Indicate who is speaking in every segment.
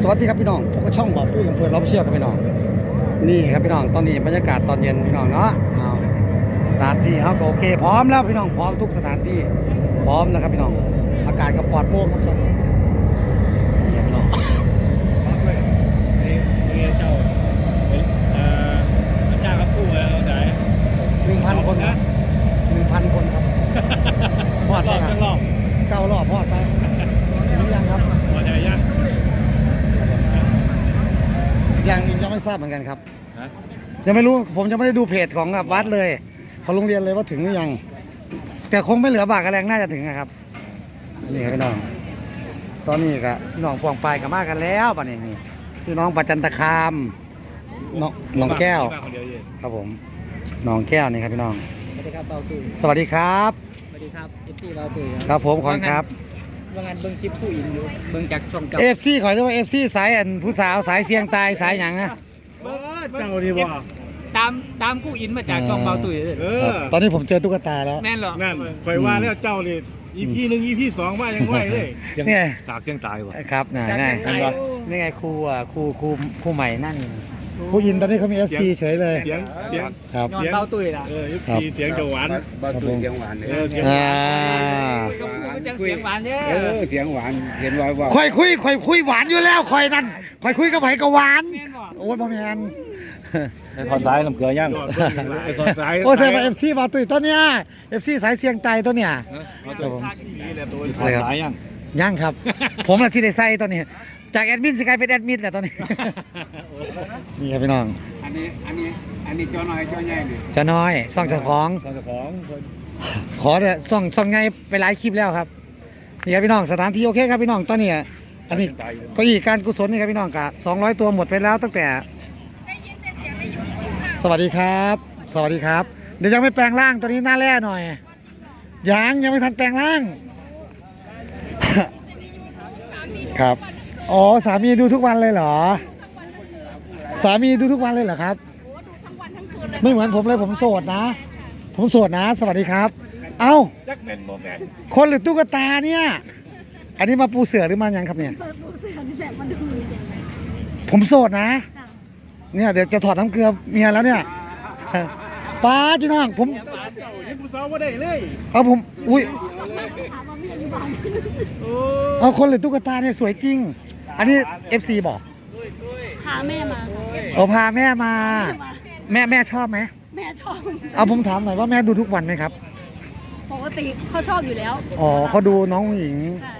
Speaker 1: วัสดีครับพี่น้องพวกก็ช่องบอกพูดเพื่อนเราเชื่อครับพี่น้องนี่ครับพี่น้องตอนนี้บรรยากาศตอนเย็นพี่น้องเนาะเอาสถานที่เขาก็โอเคพร้อมแล้วพี่น้องพร้อมทุกสถานที่พร้อมนะครับพี่น้องอากาศก็ปลอดโปร่งครับนี่พี่น้อง
Speaker 2: เจ้าเจ้าครับคู่แล้วไหน
Speaker 1: 1,000 คนนะ1,000 คนครับพอดไปครับ9 รอบพอดไปหรือยังครับ
Speaker 2: พอใจยัง
Speaker 1: ยังไม่ทราบเหมือนกันครับยังไม่รู้ผมยังไม่ได้ดูเพจของวัดเลยเขาโรงเรียนเลยว่าถึงหรือยังแต่คงไม่เหลือบากกระแรงน่าจะถึงนะครับนี่ครับพี่น้องตอนนี้ก็พี่น้องปวงปลายกับมากันแล้วป่ะนี่พี่น้องประจันตคามน้องแก้วครับผมน้องแก้วนี่ครับพี่น้อง
Speaker 3: สวัสดีครับเบาตุ๋ย
Speaker 1: สวัสดีครับ
Speaker 3: สวัสดีครับเอฟซีเบาตุ๋ย
Speaker 1: ครับผมขอบคุณครับ
Speaker 3: ว่างานเบิ้งคลิปผู้อินอยู่เบิ้งจากช่อง
Speaker 1: เอฟซีขอเรียกว่าเอฟซีสายผู้สาวสายเสียงตายสายหยังนะ
Speaker 2: เจ้าดีบ่
Speaker 3: ตามผู้อินมาจากช่องเบาตุ๋ย
Speaker 1: ตอนนี้ผมเจอตุ๊กตาแล้ว
Speaker 3: แม่นหรอ
Speaker 2: นั่นคอยว่าแล้วเจ้าเลยEP 1 EP 2ว่ายังไหวเลย
Speaker 1: นี่
Speaker 2: สากเสียงตายว่ะ
Speaker 1: ครับนี่ไงครูใหม่นั่นผู้ยินตอนนี้เขามี FC เฉยเลย
Speaker 2: เสียง
Speaker 1: ครับ
Speaker 3: ย้อนเบาตุ๋ยล่ะ
Speaker 2: FC เสียงจะหวาน
Speaker 4: เบาตุ๋ยเสียงหวาน
Speaker 3: เสียงหวานเนี่ย
Speaker 4: เสียงหวานเห็นว่า
Speaker 1: ค่อยคุยหวานอยู่แล้วค่อยนั่นค่อยคุยกับไผก็หวานโอ้ยบ่แม่น
Speaker 2: ถอดสายลำเกลือย่างถอดสาย
Speaker 1: โอ้ใช่ป่ะ FC มาตุ้ยตัวเนี้ย FC สายเสียงไตตัวเนี้ยครับผม
Speaker 2: ถอดสาย
Speaker 1: ยังครับผมน่ะที่ได้ใส่ตัวนี้จากแอดมินสิกลายเป็นแอดมินแหละตอนนี้นี่ครับพี่น้อง
Speaker 4: อันนี้จอน้อยจอใหญ่นี่
Speaker 1: จะน้อยซ่องเจ้าของขอเนี่ยซ่องไงไปหลายคลิปแล้วครับนี่ครับพี่น้องสถานที่โอเคครับพี่น้องตอนนี้อันนี้ก็อีกการกุศลนี่ครับพี่น้องกะ200 ตัวหมดไปแล้วตั้งแต่สวัสดีครับสวัสดีครับเดี๋ยวยังไม่แปลงร่างตัวนี้หน้าแร่หน่อยยังไม่ทันแปลงร่างครับอ๋อสามีดูทุกวันเลยเหรอสามีดูทุกวันเลยเหรอครับไม่เหมือนผมเลยผมโสดนะสวัสดีครับเอ้าคนหรือตุ๊กตาเนี่ยอันนี้มาปูเสือหรือมายังครับเนี่ยผมโสดนะเนี่ยเดี๋ยวจะถอดน้ำเกลือเมียแล้วเนี่ยป้าจีน้องผม
Speaker 2: ผู้สาวว่าได้เลย
Speaker 1: เอาผมอุ้ยเอาคนหรือตุ๊กตาเนี่ยสวยจริงอันนี้ FC บอก
Speaker 5: พาแม่มา
Speaker 1: พาแม่มาแม่ชอบไหม
Speaker 5: แม่ชอบ
Speaker 1: เอาผมถามหน่อยว่าแม่ดูทุกวันไหมครับ
Speaker 5: ปกติเขาชอบอยู่แล้ว
Speaker 1: อ๋อเขาดูน้องหญิง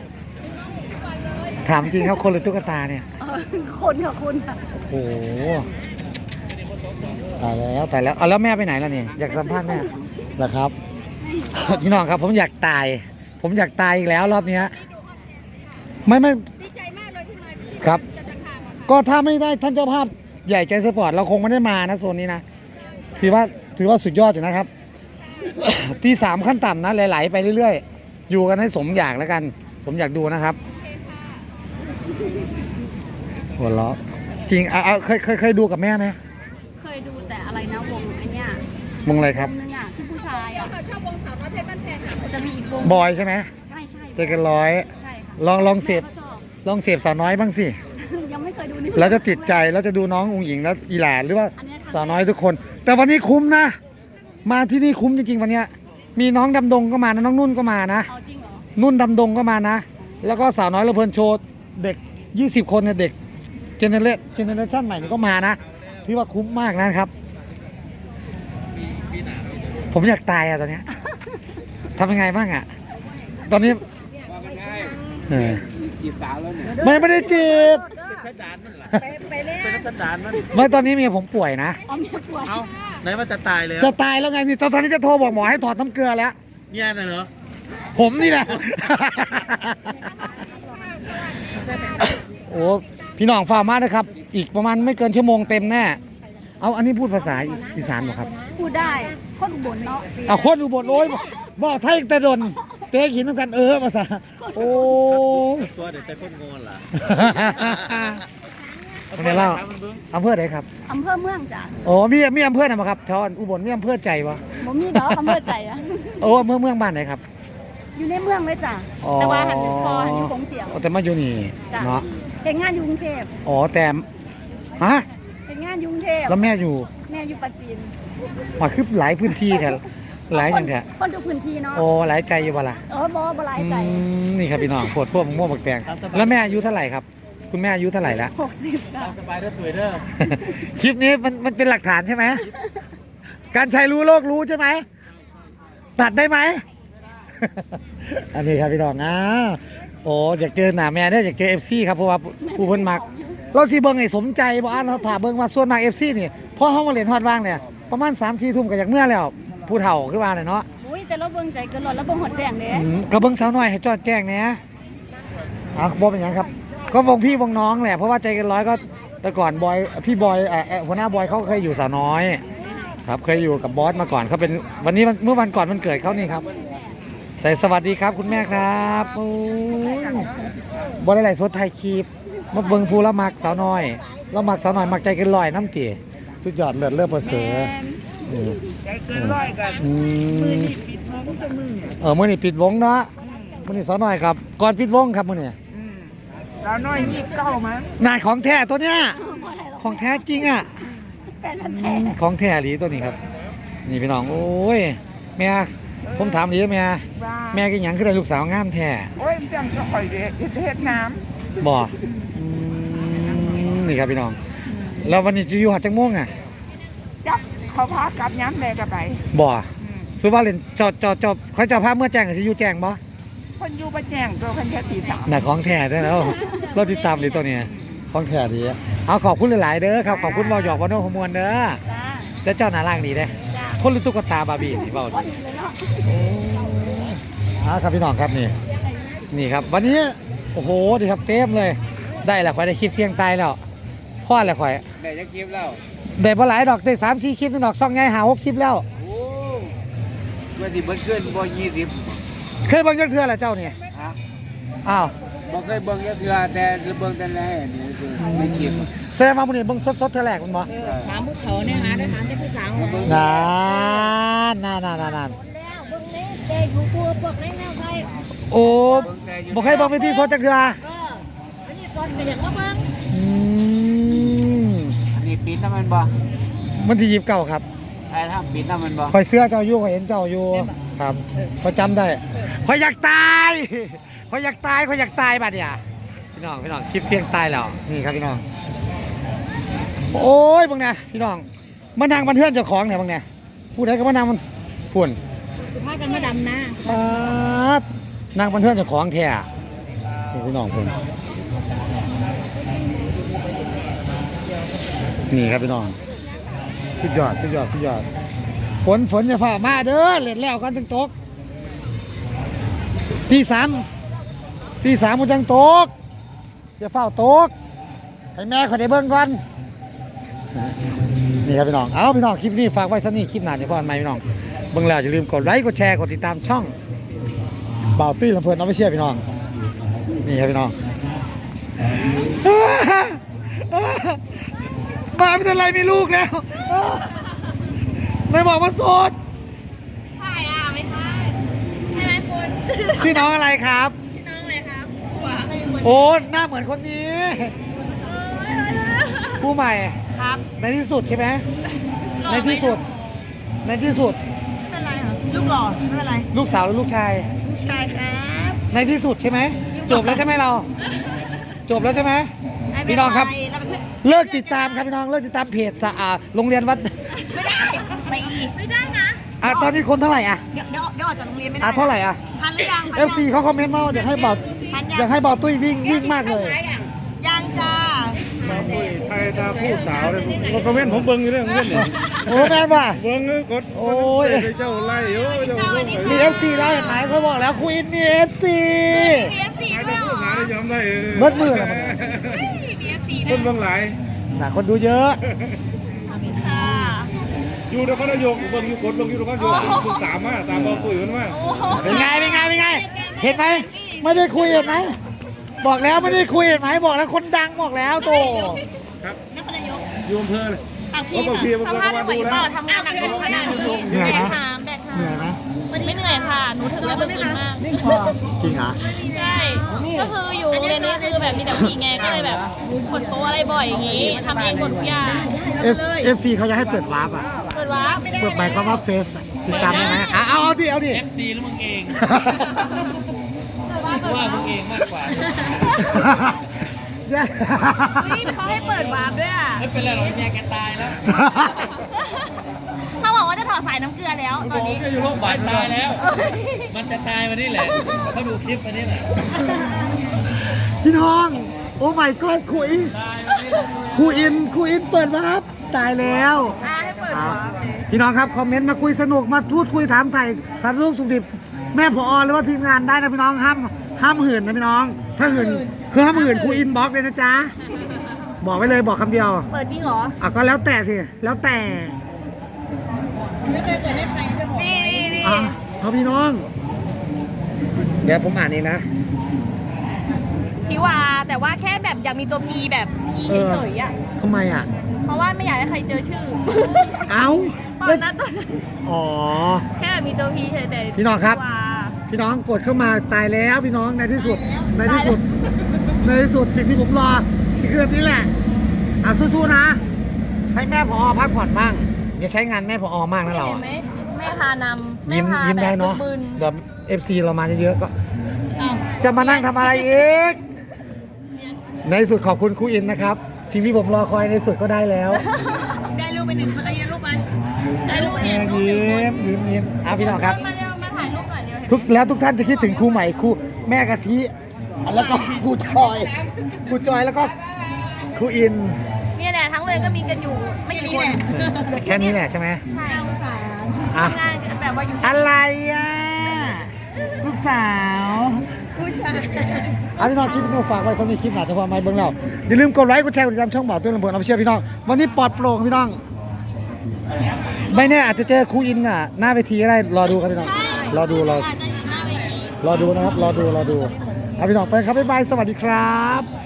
Speaker 1: ถามจริงครับคนหรือตุ๊กตาเนี่ย
Speaker 5: คนค่ะคุณ
Speaker 1: โอ้โหตายแล้วเอาแล้วแม่ไปไหนล่ะนี่อยากสัมภาษณ์แม่เหรอครับพี่น้องครับผมอยากตายอีกแล้วรอบนี้ไม่
Speaker 5: ดีใจมากเลยที่มา
Speaker 1: ครับก็ถ้าไม่ได้ท่านเจ้าภาพใหญ่ใจสปอร์ตเราคงไม่ได้มานะโซนนี้นะถือว่าสุดยอดอยู่นะครับที่3ขั้นต่ำนะไหลๆไปเรื่อยๆอยู่กันให้สมอยากแล้วกันสมอยากดูนะครับหัวเราะจริงเคยดูกับแม่ไหม
Speaker 5: เคยดูแต่อะไรนะวงไอ้เนี่ยว
Speaker 1: งอะไรครับ
Speaker 5: นึงอ่ะที่ผู้ชายอ่ะชอบวงสาวน้อยเพชรบ้านแพงจะมีอีกวง
Speaker 1: บอยใช่ไหม
Speaker 5: ใช่
Speaker 1: เจอกันร้อย
Speaker 5: ใช่ค่ะ
Speaker 1: ลองเสพสาวน้อยบ้างสิ
Speaker 5: ยังไม่เคยดูนี่
Speaker 1: แล้วจะติดใจแล้วจะดูน้ององค์หญิงแล้วอีหลานหรือว่าสาวน้อยทุกคนแต่วันนี้คุ้มนะมาที่นี่คุ้มจริงๆวันนี้มีน้องดำดงก็มานะน้องนุ่นก็มานะ
Speaker 5: จริงเหรอ
Speaker 1: นุ่นดำดงก็มานะแล้วก็สาวน้อยระเบิดโชว์เด็ก20 คนเนี่ยเด็กเจเนเรชั่นใหม่นี่ก็มานะที่ว่าคุ้มมากนะครับผมอยากตายอะตอนนี้ทำยังไงบ้างอะตอนนี้
Speaker 4: จีบสาวแล้วเนี่ย
Speaker 1: ไม่ได้จีบ
Speaker 5: ไปเล่น
Speaker 1: ไม่ตอนนี้เมียผมป่วยนะ
Speaker 5: เมียป่วย
Speaker 2: เอาไหนว่าจะตายเลย
Speaker 1: จะตายแล้วไงนี่ตอนนี้จะโทรบอกหมอให้ถอดน้ำเกลือแล้ว
Speaker 2: เนี่ยน่ะเหรอ
Speaker 1: ผมนี่แหละโอ้พี่น้องฟังมานะครับอีกประมาณไม่เกินชั่วโมงเต็มแน่เอาอันนี้พูดภาษาอีสานหรอครับ
Speaker 5: พูดได้คนอุบลเนาะ
Speaker 1: เอาคนอุบลโอ้ยบอกไทยแต่ดนเตะหินต้องกันภาษาโอ้
Speaker 2: ตัวเด็กแต่คนงอนล่ะ
Speaker 1: คนนี้เล่าอำเภอไหนครับ
Speaker 5: อำเภอเมืองจ้ะ
Speaker 1: โอ้มีอำเภอไหนมาครับแถวอุบลมีอำเภอใจวะ
Speaker 5: ผมมีเนาะอำเภอใจอะ
Speaker 1: โอ้เมืองบ้านไหนครับ
Speaker 5: อยู่ในเมืองเลยจ้ะแต่ว่าหันพอหันอยู่คงเจียว
Speaker 1: แต่มาอยู่นี่เนาะ
Speaker 5: เห็นงานอยู่กรุงเทพ
Speaker 1: อ๋อแต่ฮะ
Speaker 5: เห็นงานอยู่กรุงเทพ
Speaker 1: แล้วแม่อยู่
Speaker 5: แม่อยู่ปัจจีน
Speaker 1: มาคือหลายพื้นที่แท้หลายอย่างแท้
Speaker 5: คนทุกพื้นที่เนาะ
Speaker 1: โอ้หลายใจอยู่บ่ล่ะ
Speaker 5: บ่หลายใจ
Speaker 1: นี่ครับพี่น้องปวดพวกม่วงบักแตงแล้วแม่อายุเท่าไหร่ครับ คุณแม่อายุเท่าไหร่แล้ว
Speaker 5: 60ค่ะ
Speaker 3: ตามสบายเด้อตุ๋ยเด้อ
Speaker 1: คลิปนี้มันเป็นหลักฐานใช่ไหม การใช้รู้โลกรู้ใช่ไหม ตัดได้ไหม อันนี้ครับพี่น้องโอ้อยากเจอหน้าแม่เนี่ยอยากเจอ FC ครับเพราะว่าผู้เพิ่นมัก เราสิเบิ่งให้สมใจบ่อ่านเราถามเบิ่งว่าส่วนมาก FC นี่พอเฮามาเล่นฮอดว่างเนี่ยประมาณ 3-4 ทุ่มก็อยากเมื่อแล้วผู้เฒ่าคือว่าเลยเนาะ
Speaker 5: อุ้ยแต่เราเบิ่งใจเกินร้อยแล้วเบิ่งหดแจ้งเด้
Speaker 1: ก็เบิ่งสาวน้อยให้จอดแจ้งแหน่บ่เป็นหยังครับ ก็วงพี่วงน้องแหละเพราะว่าใจเกันร้อยก็แต่ก่อนบอยพี่บอยหัวหน้าบอยเขาเคยอยู่สาวน้อย ครับเคยอยู่กับบอสมาก่อนเขาเป็นวันนี้เมื่อวันก่อนมันเกิดเขานี่ครับใส่สวัสดีครับคุณแม่ครับโอ้ยบอได้ไหลฟ์สดไทยคลิปมาเบิ่งภูละมักสาวน้อยละมักสาวน้อยมักใจเกันลอยน้ำเตี๋ยสุดยอดเลิศเลิศประเสริฐใจเกินร้อยกันมือนี่ปิดวงจะมือมือนี่ปิดวงเนาะมือนี่สาวน้อยครับก่อนปิดวงครับมือนี่สาวน้อย29มั้งนายของแท้ตัวเนี้ยของแท้จริงอ่ะของแท้หรือตัวนี้ครับนี่พี่น้องโอ้ยแม่ผมถามดีแม่กินหยังขึ้นได้ลูกสาวงามแท้
Speaker 6: โอ้ยมันจังก็ข่อยเด็กจะเฮ็ดน้
Speaker 1: บ่นี่ครับพี่น้องแล้ววันนี้จะอยู่หัดจังม่วงอ่ะ
Speaker 6: ำจับเขาพากลับย้ำแดกับไป
Speaker 1: บ่สุว่าเล่นจอเขาจะพาเมื่อแจ้งสิอยู่แจ้งบ่
Speaker 6: คนอยู่ประแจงตัวคนแค่ตีสาม
Speaker 1: น่ะของแท้ได้แล้วเราติดตามดีตัวเนี้ยของแท้ดีเอาขอบคุณหลายๆเด้อครับขอบคุณเบาหยอกบ่โน้ขมวนเด้อแต่เจ้าหน้าร่างดีเด้คนหรือตุ๊กตาบาร์บี้นี่เบาดีครับพี่น้องครับนี่ครับวันนี้โอ้โหดีครับเต็มเลยได้แล้วข่อยได้คลิปเสียงตายแล้วพ่อแล้วข่อย
Speaker 4: ได้จะคลิปแล้ว
Speaker 1: ได้บ่หลายดอกได้3-4 คลิปนึงดอกซ่องใหญ่5-6 คลิปแล้ว
Speaker 4: โอ้เมื่อที่เบิ้ลขึ้นบ่20
Speaker 1: เคยเบิ่งจักเทื่อแล้วเจ้านี่
Speaker 4: ฮะ
Speaker 1: อ้าว
Speaker 4: บ่เคยเบิ่งจักเทื่อแต่เบิ่งแต่แรกนี่คือในคลิป
Speaker 1: แสดงว่ามื้อนี้เบิ่งสดๆเทื่อแรกมันบ่
Speaker 6: ถามผู้เขาเนี่ยหาได้ถามแต่ผู้สาว
Speaker 4: เบิ่ง
Speaker 1: นาน
Speaker 5: แล้วเบิ่งนี้เด็กอยู่ครัวพวกนี้แนวไทย
Speaker 1: โอ้บ่เคยเบิ่งวิธีสดจักเทื่อ
Speaker 5: อันนี้ก่อนก็อยากมาเบิ่ง
Speaker 1: อืม
Speaker 4: อันนี้ปิดน้ำมันบ่
Speaker 1: มันที่29ครับ
Speaker 4: ไอ้ทำปิดน้ำมันบ่
Speaker 1: ข่อยเสื้อเจ้าอยู่ข่อยเห็นเจ้าอยู่ครับข่อยจำได้ข่อยอยากตายข่อยอยากตายบัดเนี่ยพี่น้องคลิปเสียงตายแล้วนี่ครับพี่น้องโอ้ยบังเนี่ยพี่น้องมันทางมันเพื่อนเจ้าของเนี่ยบังเนี่ยผู้ใดก็มานางมันพุ่น
Speaker 5: สุภาพกันมาดำนะ
Speaker 1: ครับนางมันเพื่อนเจ้าของแท้นี่พี่น้องพุ่นนี่ครับพี่น้องสุดยอดฝนจะฝ่ามาเด้อเล่นแล้วกันถึงตกตีสามมันจังตกอย่าเฝ้าตกให้แม่ขอได้เบิ่งก่อนนี่ครับพี่น้องเอาพี่น้องคลิปนี้ฝากไว้สักนี่คลิปหน้าจะพอกันไหมพี่น้องเบิ่งแล้วอย่าลืมกดไลค์กดแชร์กดติดตามช่องบ่าวตี้ลำเพลินเอาไปเชียร์พี่น้องนี่ครับพี่น้องมาไม่เป็นไรมีลูกแล้วไม่บอกว่าโสด
Speaker 5: ใช่ไม่ใช่ใช่ไหมคุณ
Speaker 1: ชื่อน้องอะไรครับ
Speaker 5: ชื่อน้องอะไรครับหัวอะไรเหมือน
Speaker 1: โอ้หน้าเหมือนคนนี้ผู้ใหม่
Speaker 5: ครับ
Speaker 1: ในที่สุดใช่ไหมในที่สุด
Speaker 5: ไม่เป็นไรเหรอลูกหล่อไม่เป็นไร
Speaker 1: ลูกสาวหรือลูกชาย
Speaker 5: ลูกชายครับ
Speaker 1: ในที่สุดใช่ไหมจบแล้วใช่ไหมเรา จบแล้วใช่ไหมพี่น้องครับ
Speaker 5: เราเป็นเพื่อน
Speaker 1: เลิกติดตามครับพี่น้องเลิกติดตามเพจสะอาดโรงเรียนวัด
Speaker 5: ไม่ได้ไปอีกไม่ได้นะ
Speaker 1: ตอนนี้คนเท่าไหร่อ่ะ
Speaker 5: เดี๋ยวออกจากโรงเรียนไม่ได้
Speaker 1: เท่าไหร่อ่ะ
Speaker 5: พันหรือยัง
Speaker 1: FC เขาคอมเมนต์มาว่าอยากให้เบาตุ้ยวิ่งมากเลย
Speaker 5: ยังจ้า
Speaker 2: ไทยตาผู้สาวเลยผมคอมเมนต์ผมเบิ่งอยู่เรื่องเงินนี่
Speaker 1: โอ้แม่นป่ะ
Speaker 2: เบิ่งกด
Speaker 1: โอ้ย
Speaker 2: เจ้าไล่โอ้ยเจ้าเบิ่ง
Speaker 1: มี FC แล้วเห็นไหมเขาบอกแล้วคุยมี FC
Speaker 5: เบียร์สี
Speaker 2: ไอ้
Speaker 5: ด้ว
Speaker 2: เจ้าย ผู้
Speaker 5: เหร
Speaker 2: สาว
Speaker 5: อ
Speaker 2: ได้ยอมได้
Speaker 1: เบิดมือแล้วมัน
Speaker 5: เบียร์สี
Speaker 2: คนเบิ่งหลาย
Speaker 1: น่ะคนดูเยอะ
Speaker 5: ค่ะ
Speaker 2: อยู่นครนายกเบิ่งอยู่กดเบิ่งอยู่นครนายกคุณตามมาตามบอกคุยมันมา
Speaker 1: เป็นไงเห็นไหมไม่ได้คุยเห็นไหมบอกแล้วไม่ได้คุยเห็นไหมบอกแล้วคนดังบอกแล้วโต
Speaker 2: ครับ
Speaker 5: นครนายก
Speaker 2: อยู่อำเภอเลย
Speaker 5: อ่ะพี่
Speaker 2: โอ้บางทีมัน
Speaker 5: ทำ
Speaker 2: ก็
Speaker 5: งาน
Speaker 2: มา
Speaker 5: ไม่ไหว
Speaker 2: ดู
Speaker 5: เป
Speaker 2: แล้
Speaker 5: ล่าว ทำงานหนักขนาดนั้น
Speaker 1: เหนื่อยไหม
Speaker 5: ถามแบกถาม
Speaker 1: เหนื่อยไหม
Speaker 5: ไม่เหนื่อยค่ะ หนูถึงแล้วเพิ่งตื่นมาก
Speaker 1: จริงเหรอ
Speaker 5: ใช่ ก็คืออยู่โรงเรียนนี้คือแบบมีแต่ผู้หญิงไง ก็เลยแบบขนโต๊ะอะไรบ่อยอย่างงี้ทำเองหมดทุกอย่าง
Speaker 1: FC เขาจะให้เปิดวาร์ปอ่ะ
Speaker 5: เปิดวาร์ป
Speaker 1: เปิดหมายความว่าเฟซติดตามได้ไหมเอาดิ
Speaker 3: FC แล้วมึงเองว่ามึงเองมากกว่า
Speaker 5: เฮ้ยเขาให้เปิดวาร์ปด้วยอ่ะ
Speaker 3: ไม่เป็นไรหรอกเมียแกตายแล้ว
Speaker 5: เขาบอกว่าจะถอดสายน้ำเกลือแล้วตอนนี้
Speaker 3: ก็อยู่โรงพยาบาลตายแล้ว มันจะตายวันนี้แหละเขาดูคลิปวันนี้แหละ
Speaker 1: พี่น้อง โอ้ my god ครูอินครูอินเปิดวาร์ปตายแล้ว
Speaker 5: ให้เปิดวาร์ป
Speaker 1: พี่น้องครับคอมเมนต์มาคุยสนุกมาพูดคุยถามไถ่ถามลูกสุขดิบแม่ผอหรือว่าทีมงานได้นะพี่น้องห้ามหื่นนะพี่น้อง ถ้าหื่นคือห้ามหื่นครูอินบล็อกเลยนะจ๊ะบอกไว้เลยบอกคำเดียว
Speaker 5: เปิดจริงเหรอ
Speaker 1: ก็แล้วแต่สิแล้วแต่
Speaker 5: นี่
Speaker 1: เอาพี่น้อง เดี๋ยวผมอ่านเองนะ
Speaker 5: พี่วาแต่ว่าแค่แบบอยากมีตัวพีแบบพีเฉยๆอ่ะ
Speaker 1: ทำไมอ่ะ
Speaker 5: เพราะว่าไม่อยากให้ใครเจอชื่อ
Speaker 1: เอา
Speaker 5: ตอนนั้น
Speaker 1: อ๋อ
Speaker 5: แค่แบบมีตัวพีเฉยๆแต่
Speaker 1: พี่น้องครับ
Speaker 5: วา
Speaker 1: พี่น้องกดเข้ามาตายแล้วพี่น้องในที่สุดสิ่งที่ผมรอคืออันนี้แหละสู้ๆนะ ให้แม่ผอพักผ่อนบ้างอย่าใช้งานแม่ผอมากนะเรา
Speaker 5: เห็น
Speaker 1: อะ
Speaker 5: ไหมแม่พานำ
Speaker 1: ยิ้ม
Speaker 5: แพ
Speaker 1: ยิ้มได้
Speaker 5: แบบ
Speaker 1: เนาะ
Speaker 5: บึน
Speaker 1: เดี๋ยว FC เรามาเยอะๆก็ จะมานั่งทำอะไรอีกในที่สุดขอบคุณครูอินนะครับ สิ่งที่ผมรอคอยในที่สุดก็ได้แล้ว
Speaker 5: ได้รูปไปหนึ่งได้รูปไปได้รูปเห็นรูปหนึ่งคน
Speaker 1: ยิ้มพี่น้องครับ
Speaker 5: มาเร็วมาถ่ายรูปหน่อยเร็ว
Speaker 1: ทุกท่านจะคิดถึงครูใหม่ครูแม่กะทิแล้วก็ครูจอยแล้วก็ครูอิน
Speaker 5: เนี่ยแหละทั้งเลยก็มีกันอยู่ไม่กี่คน
Speaker 1: แค่นี้แหละใช่ไหม
Speaker 5: ใช่
Speaker 1: อ่ะ
Speaker 5: ทำงานกันแบบว่าอยู่
Speaker 1: อะไรอ่ะลูกสาวผู้ชายพี่น้องคลิปนี้ฝากไว้สำหรับคลิปหน้าจะพามาเบิ่งเราอย่าลืมกดไลค์กดแชร์กดติดตามช่องบ่าวตุ้นลำเพลินเอาไปเชื่อพี่น้องวันนี้ปลอดโปร่งพี่น้องไม่แน่อาจจะเจอครูอินน่ะหน้าเวทีก็ได้รอดูครับพี่น้องรอดูนะครับรอดูเอาพี่น้องไปครับบ๊ายบายสวัสดีครับ